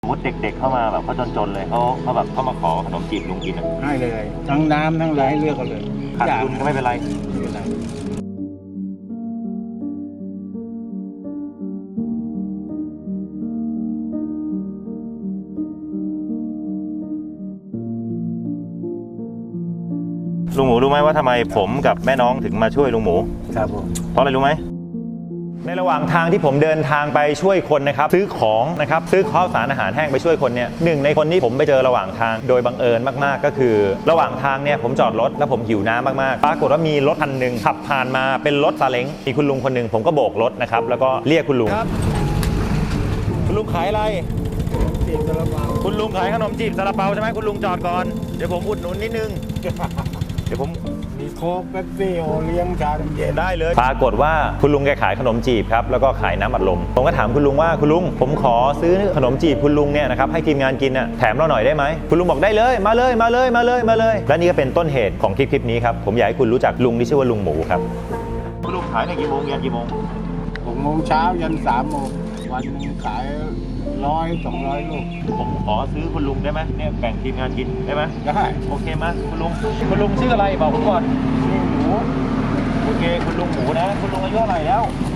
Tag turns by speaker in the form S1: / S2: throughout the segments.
S1: สมมติเด็กๆเข้ามาแบบเขาจนๆเลยเขาแบบเข้ามาขอขนมจีบลุงกินอ่ะ
S2: ให้เลยทั้งน้ำทั้งอะไรให้เลือกกันเลย
S1: ขาดทุนก็ไม่เป็นไร
S2: ไม่เป็นไร
S1: ลุงหมูรู้ไหมว่าทำไมผมกับแม่น้องถึงมาช่วยลุงหมู
S2: ครับผม
S1: เพราะอะไรรู้ไหมในระหว่างทางที่ผมเดินทางไปช่วยคนนะครับซื้อของนะครับซื้อข้าวสารอาหารแห้งไปช่วยคนเนี่ยหนึ่งในคนที่ผมไปเจอระหว่างทางโดยบังเอิญมากๆก็คือระหว่างทางเนี่ยผมจอดรถแล้วผมหิวน้ำมากๆปรากฏว่ามีรถคันหนึ่งขับผ่านมาเป็นรถซาเล้งมีคุณลุงคนหนึ่งผมก็โบกรถนะครับแล้วก็เรียกคุณลุงครับคุณลุงขายอะไร
S2: จีบซาลาเปา
S1: คุณลุงขายขนมจีบซาลาเปาใช่ไหมคุณลุงจอดก่อนเดี๋ยวผมอุดหนุนนิดนึงเดี๋ยวผม
S2: มีโค้กเป๊ปซี่โอเลี้ยงชาดำเย็น
S1: ได้เลยปรากฏว่าคุณลุงแกขายขนมจีบครับแล้วก็ขายน้ำอัดลมผมก็ถามคุณลุงว่าคุณลุงผมขอซื้อขนมจีบคุณลุงเนี่ยนะครับให้ทีมงานกินน่ะแถมเราหน่อยได้ไหมคุณลุงบอกได้เลยมาเลยมาเลยมาเลยมาเลยและนี่ก็เป็นต้นเหตุของคลิปนี้ครับผมอยากให้คุณรู้จักลุงที่ชื่อว่าลุงหมูครับคุณลุงขายในกี่โมงยันกี่โมง
S2: 6 โมงเช้ายัน3 โมงวันหนึงขาย100-200 ลูก
S1: ผมขอซื้อคุณลุงได้ไหมเนี่ยแบ่งทีมงานกินได้ไหม
S2: ได้
S1: โอเคไหมคุณลุงชื่ออะไรบอกผมก่อน
S2: นี่หมู
S1: โอเคคุณลุงหมูนะคุณลุงอายุเท่าไหร่แล้ว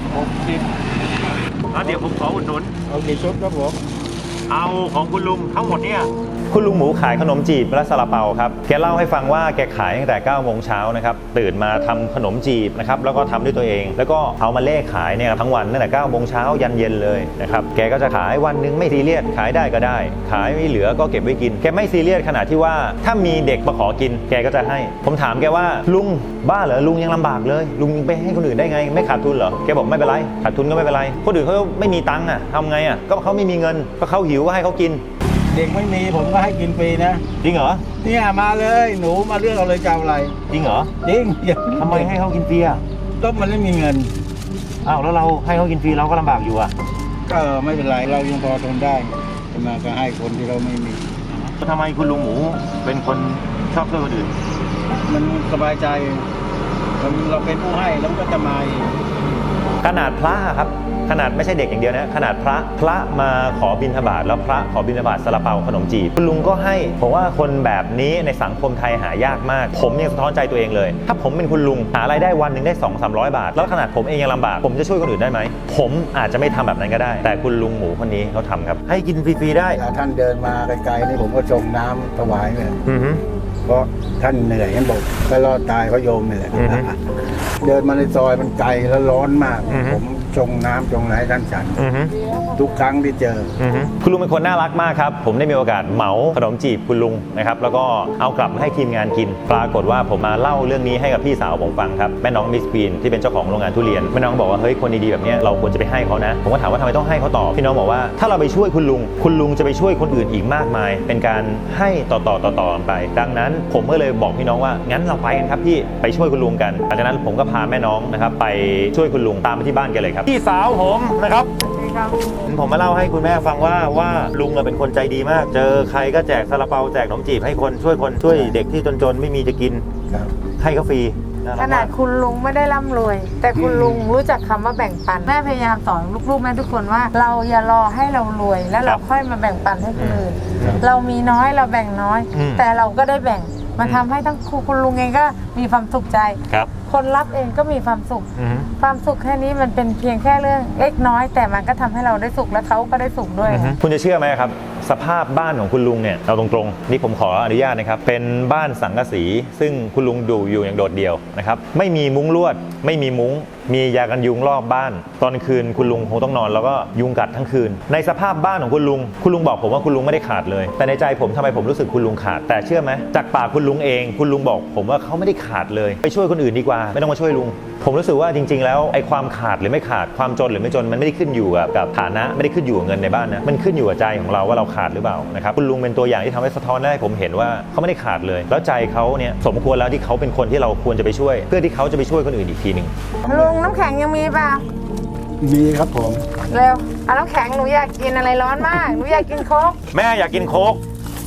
S2: 60
S1: เดี๋ยวผมขออุดหนุน
S2: เอากี่ชุดครับผม
S1: เอาของคุณลุงทั้งหมดเนี่ยคุณลุงหมูขายขนมจีบและซาลาเปาครับแกเล่าให้ฟังว่าแกขายตั้งแต่9 โมงเช้านะครับตื่นมาทำขนมจีบนะครับแล้วก็ทำด้วยตัวเอง แล้วก็เอามาเล่ขายเนี่ยทั้งวันตั้งแต่9 โมงเช้ายันเย็นเลยนะครับแกก็จะขายวันหนึงไม่ซีเรียสขายได้ก็ได้ ขายไม่เหลือก็เก็บไว้กินแกไม่ซีเรียสขนาดที่ว่าถ้ามีเด็กมาขอกินแกก็จะให้ผมถามแกว่าลุงบ้าเหรอลุงยังลำบากเลยลุงไปให้คนอื่นได้ไงไม่ขาดทุนเหรอแกบอกไม่เป็นไรขาดทุนก็ไม่เป็นไรคนอื่นเขาไม่มีตังค์อ่ะทำไงอ่ะก็เขาไม่มีเงินก็เขาหิวก็ให้เขากิน
S2: เด็กไม่มีผมก็ให้กินฟรีนะ
S1: จริงเหรอ
S2: เนี่ยมาเลยหนูมาเลือกเอาเลยจะเอาอะไร
S1: จริงเหรอ
S2: จริงอย่า
S1: ทำไมให้เขากินฟรีอ่ะ
S2: ก็มันไม่มีเงิน
S1: อ้าวแล้วเราให้เขากินฟรีเราก็ลำบากอยู่อ่ะ
S2: ก็ไม่เป็นไรเรายังพอทนได้จะมาก็ให้คนที่เราไม่มี
S1: ทำไมคุณลุงหมูเป็นคนชอบช่วยคนอื่น
S2: มันสบายใจเราเป็นผู้ให้แล้วมันก็จะมาเอง
S1: ขนาดพระครับขนาดไม่ใช่เด็กอย่างเดียวนะขนาดพระมาขอบิณฑบาตแล้วพระขอบิณฑบาตซาลาเปาขนมจีบคุณลุงก็ให้ผมว่าคนแบบนี้ในสังคมไทยหายากมากผมยังสะท้อนใจตัวเองเลยถ้าผมเป็นคุณลุงหารายได้วันหนึ่งได้ 200-300 บาทแล้วขนาดผมเองยังลำบากผมจะช่วยคนอื่นได้ไหมผมอาจจะไม่ทำแบบนั้นก็ได้ แต่คุณลุงหมูคนนี้เขาทำครับให้กินฟรีๆได้
S2: เวลาท่านเดินมาไกลๆนี่ผมก็ชงน้ำถวายเลย
S1: อือฮึ
S2: เพราะท่านเหนื่อยท่านบอกก็รอดตายเพราะโยมนี่แหละ
S1: อือฮึ
S2: เดินมาในซอยมันไกลแล้วร้อนมาก
S1: อือฮึ
S2: ผมชงน้ำชงไหนท่านฉัน
S1: อือฮึ
S2: ทุกครั้งที่เจอ
S1: คุณลุงเป็นคนน่ารักมากครับผมได้มีโอกาสเหมาขนมจีบคุณลุงนะครับแล้วก็เอากลับมาให้ทีมงานกินปรากฏว่าผมมาเล่าเรื่องนี้ให้กับพี่สาวผมฟังครับแม่น้องมิสปีนที่เป็นเจ้าของโรงงานทุเรียนแม่น้องบอกว่าเฮ้ยคนดีๆแบบนี้เราควรจะไปให้เขานะผมก็ถามว่าทำไมต้องให้เขาต่อพี่น้องบอกว่าถ้าเราไปช่วยคุณลุงจะไปช่วยคนอื่นอีกมากมาย เป็นการให้ต่อกันไป ดังนั้นผมก็เลยบอกพี่น้องว่างั้นเราไปกันครับพี่ไปช่วยคุณลุงกันหลังจากนั้นผมก็พาแม่น้องนะครับไปช่วยคุณลุงตามไปที่บ้านแกเลยครับพี่สาวผมนะครับผมมาเล่าให้คุณแม่ฟังว่าลุงเป็นคนใจดีมากเจอใครก็แจกซาลาเปาแจกขนมจีบให้คนช่วยเด็กที่จนๆไม่มีจะกิน
S2: ครับ
S1: ให้เขาฟรี
S3: ขนาดคุณลุงไม่ได้ร่ำรวย แต่คุณลุงรู้จักคำว่าแบ่งปันแม่พยายามสอนลูกๆแม่ทุกคนว่า เราอย่ารอให้เรารวยแล้วเราค่อยมาแบ่งปันให้คนอื่นเรามีน้อยเราแบ่งน้อย แต่เราก็ได้แบ่งมันทำให้ทั้งคุณลุงเองก็มีความสุขใจ
S1: ครับ
S3: คนรับเองก็มีความสุข ความสุขแค่นี้มันเป็นเพียงแค่เรื่องเล็กน้อย แต่มันก็ทำให้เราได้สุขและเขาก็ได้สุขด้วย
S1: คุณจะเชื่อไหมครับสภาพบ้านของคุณลุงเนี่ยเอาตรงๆนี่ผมขออนุญาตนะครับเป็นบ้านสังกะสีซึ่งคุณลุงอยู่อย่างโดดเดี่ยวนะครับไม่มีมุ้งลวดไม่มีมุ้งมียากันยุงรอบบ้านตอนคืนคุณลุงคงต้องนอนแล้วก็ยุงกัดทั้งคืนในสภาพบ้านของคุณลุงบอกผมว่าคุณลุงไม่ได้ขาดเลยแต่ในใจผมทำไมผมรู้สึกคุณลุงขาดแต่เชื่อไหมจากปากคุณลุงเองคุณลุงบอกผมว่าเขาไม่ได้ขาดเลยไปช่วยคนอื่นดีกว่าไม่ต้องมาช่วยลุงผมรู้สึกว่าจริงๆแล้วไอ้ความขาดหรือไม่ขาดความจนหรือไม่จนมันไม่ได้ขึ้นอยู่กับฐานะไม่ได้ขึ้นอยู่กับเงินในบ้านนะมันขึ้นอยู่กับใจของเราว่าเราขาดหรือเปล่านะครับคุณลุงเป็นตัวอย่างที่ทำให้สะท้อนได้ผมเห็นว่าเขาไม่ได้ขาดเลยแล้วใจเขาเนี่ยสมควรแล้วที่เขาเป็นคนที่เราควรจะไปช่วยเพื่อที่เขาจะไปช่วยคนอื่นอีกทีหนึ่ง
S3: ลุงน้ำแข็งยังมีป่ะ
S2: มีครับผม
S3: เร็วเอาน้ำแข็งหนูอยากกินอะไรร้อนมากหนูอยากกินโค้ก
S1: แม่อยากกินโค้ก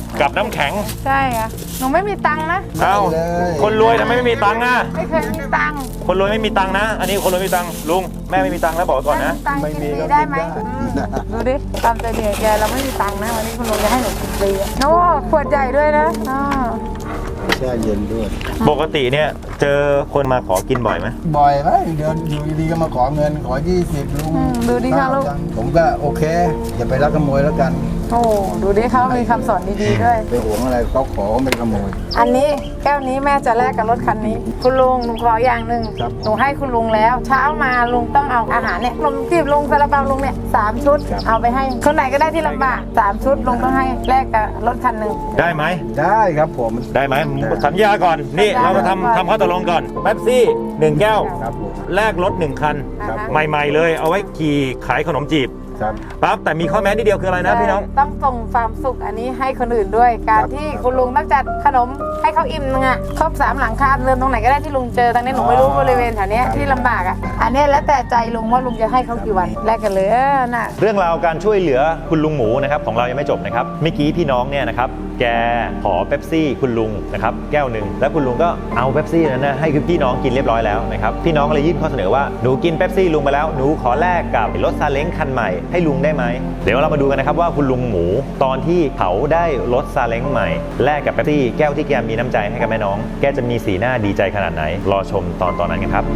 S1: กับน้ำแข็ง
S3: ใช่ค่ะหนูไม่มีตังค์นะ
S1: เอ้าคนรวยทำไมไม่มีตังค์อ่ะ
S3: ไม่เคยมีตังค์
S1: คนรวยไม่มีตังค์นะ อันนี้คนรวยไม่มีตังค์ลุงแม่ไม่มีตังค์แล้วบอกไว้ก่อนนะ
S3: ตังค์กินฟรีได้ไหมดูดิตามใจเดียแกเราไม่มีตังค์นะวันนี้คุณลุงจะให้หนูกินฟรีโน้ขวดใหญ่ด้วยนะอ๋อ
S2: แช่เย็นด้วย
S1: ปกติเนี่ยเจอคนมาขอกินบ่อยไหม
S2: บ่อยไหมเดินอยู่ดีๆก็มาขอเงินขอ20ลุง
S3: ดูดิค่ะลูก
S2: ผมก็โอเคอย่าไปลักขโมยแล้วกัน
S3: โอ้ดูดิเขามีคำสอนดีๆด้วย
S2: ไปหวงอะไรเขาขอไม่ขโมย
S3: อันนี้แก้วนี้แม่จะแลกกับรถคันนี้ คุณลุงหนูขออย่างหนึ่ง
S2: ครับ
S3: หนูให้คุณลุงแล้ว เช้ามาลุงต้องเอาอาหารเนี่ยนมจีบลุงซาลาเปาลุงเนี่ย3 ชุด เอาไปให้คนไหนก็ได้ที่ลำบาก3 ชุดลุงต้องให้แลกกับรถคันหนึ่ง
S1: ได้ไหม
S2: ได้ครับผม
S1: ได้ไหมสัญญาก่อนนี่
S3: ได้
S1: เรามาทำข้อตกลงก่อนเป๊ปซี่1 แก้ว
S2: ครับผม
S1: แลกรถ1 คัน
S2: ครับ
S1: ใหม่ๆเลยเอาไว้ขี่ขายขนมจีบ
S2: ครับ
S1: ปั๊บแต่มีข้อแม้นิดเดียวคืออะไรนะพี่น้อง
S3: ต้องส่งความสุขอันนี้ให้คนอื่นด้วย การ
S2: ครับ
S3: ที่คุณลุงต้องจัดขนมให้เขาอิ่มนึงอ่ะครบ3 หลังคาเรือนตรงไหนก็ได้ที่ลุงเจอตอนนี้หนูไม่รู้บริเวณแถวเนี้ยที่ลำบากอ่ะอันเนี้ยแล้วแต่ใจลุงว่าลุงจะให้เขากี่วันแลกกันเลยน่ะ
S1: เรื่องราวการช่วยเหลือคุณลุงหมูนะครับของเรายังไม่จบนะครับเมื่อกี้พี่น้องเนี่ยนะครับแกขอเป๊ปซี่คุณลุงนะครับแก้วหนึ่งแล้วคุณลุงก็เอาเป๊ปซี่นั้นนะให้คือพี่น้องกินเรียบร้อยแล้วนะครับพี่น้องก็เลยยื่นข้อเสนอว่าหนูกินเป๊ปซี่ลุงไปแล้วหนูขอแลกกับรถซาเล้งคันใหม่ให้ลุงได้ไหมเดี๋ยวเรามาดูกันนะครับว่าคุณลุงหมูตอนที่เขาได้รถซาเล้งใหม่แลกกับเป๊ปซี่แก้วที่แกมีน้ำใจให้กับแม่น้องแกจะมีสีหน้าดีใจขนาดไหนรอชมตอนนั้นกันครับ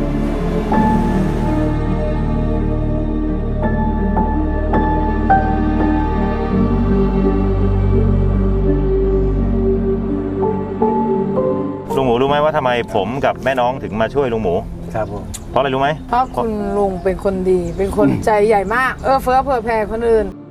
S1: ลุงหมูรู้ไหมว่าทำไมผมกับแม่น้องถึงมาช่วยลุงหมู
S2: ครับผม
S1: เพราะอะไรรู้ไหม
S3: เพราะคุณลุงเป็นคนดี เป็นคนใจใหญ่มาก เฟื้อเผื่อแผ่คนอื่น